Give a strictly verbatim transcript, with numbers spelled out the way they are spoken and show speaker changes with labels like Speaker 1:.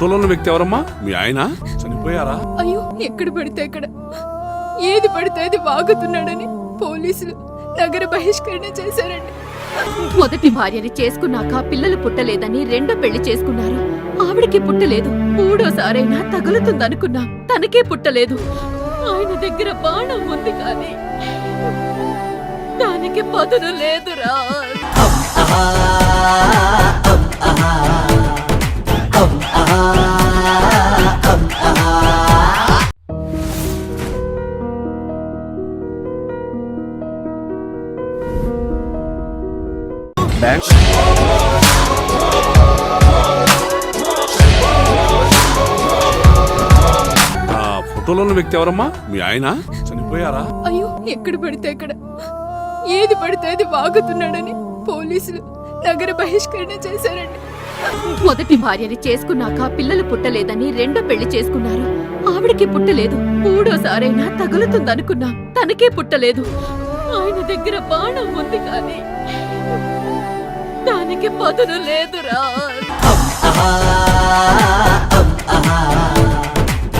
Speaker 1: ఫోటోలో ఉన్న వ్యక్తి ఎవరమ్మా? మీ ఆయన చనిపోయారా?
Speaker 2: అయ్యో, ఎక్కడ పడితే అక్కడ ఏది పడితే అది వాగుతున్నాడని పోలీసులు నగర బహిష్కరణ చేశారండి.
Speaker 3: మొదటి భార్యని చేసుకున్నాక పిల్లలు పుట్టలేదని రెండో పెళ్లి చేసుకున్నారు. ఆవిడకి పుట్టలేదు. మూడోసారైనా తగులుతుందనుకున్నా, తనకే పుట్టలేదు. ఆయన దగ్గర బాణం ఉంది కానీ దానికి పదును లేదురా.
Speaker 1: ఆ ఫోటోలో ఉన్న వ్యక్తి ఎవరమ్మా? మీ ఆయన చనిపోయారా?
Speaker 2: అయ్యో, ఎక్కడ పడితే అక్కడ ఏది పడితే అది వాగుతున్నాడని పోలీసులు నగర బహిష్కరణ చేశారండి.
Speaker 3: మొదటి భార్యని చేసుకున్నాక పిల్లలు పుట్టలేదని రెండో పెళ్లి చేసుకున్నారు. ఆవిడకి పుట్టలేదు. మూడోసారైనా తగులుతుందనుకున్నా, తనకే పుట్టలేదు. ఆయన దగ్గర బాణం ఉంది కానీ దానికి పదును లేదురా.